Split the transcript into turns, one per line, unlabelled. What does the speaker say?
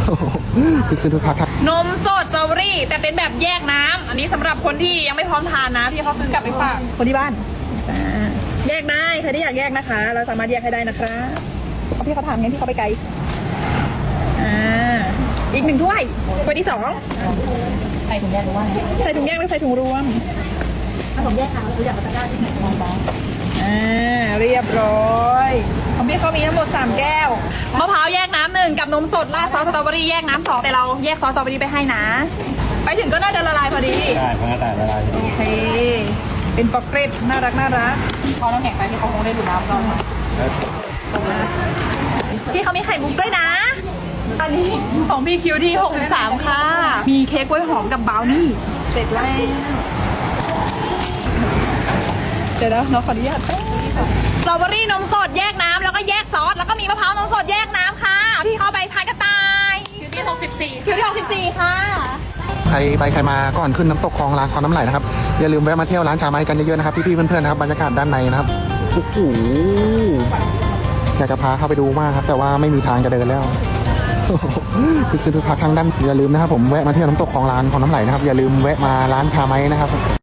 คือทุกพักครับ
นมสดสตรอเบอรี่แต่เป็นแบบแยกน้ำอันนี้สำหรับคนที่ยังไม่พร้อมทานนะพี่เขาซื้อกลับไปฝากคนที่บ้านแยกได้ใครที่อยากแยกนะคะ เราสามารถแยกให้ได้นะครับเอาพี่เขาถามงั้นพี่เขาไปไกลอีก1 ถ้วยที่2
ใส่ถุงแยกหรือว่า
ใส่ถุงแยกหรือใส่ถุงรวม
ถ้าผมแยกค่ะเราอยากจะได้ที่ไหนมองบ้าง
เรียบร้อยของพี่เขามีทั้งหมด3 แก้วมะพร้าวแยกน้ำ1กับนมสดราดซอสสตรอเบอรี่แยกน้ำ2แต่เราแยกซอสสตรอเบอรี่ไปให้นะไปถึงก็น่าจะละลายพอดี
ได้พอแต่ละลาย
โอเคเป็นปอกเกร็ดน่ารัก
พอน้ำแข็งไปที่เขาคงได้ดูน้ำเรา
ที่เขามีไข่มุกด้วยนะอันนี้ของพี่คิวที่63ค่ะมีเค้กกล้วยหอมกับบราวนี่เสร็จแล้วเดี๋ยวนะน้องขออนุญาตสตรอเบอรี่นมสดแยกน้ำแล้วก็แยกซอสแล้วก็มีมะพร้าวนมสดแยกน้ำค่ะพี่เขาไปพายกระต่าย
คิวที่64
คิวที่64ค่ะ
ใครไปใครมาก่อนขึ้นน้ำตกคลองลานคลองน้ำไหลนะครับอย่าลืมแวะมาเที่ยวร้านชาไม้กันเยอะๆนะครับพี่ๆเพื่อนๆนะครับบรรยากาศด้านในนะครับโอ้โหอยากจะพาเข้าไปดูมากครับแต่ว่าไม่มีทางจะเดินแล้วคือทุกพักทางด้านอย่าลืมนะครับผมแวะมาเที่ยวน้ำตกคลองลานคลองน้ำไหลนะครับอย่าลืมแวะมาร้านชาไม้นะครับ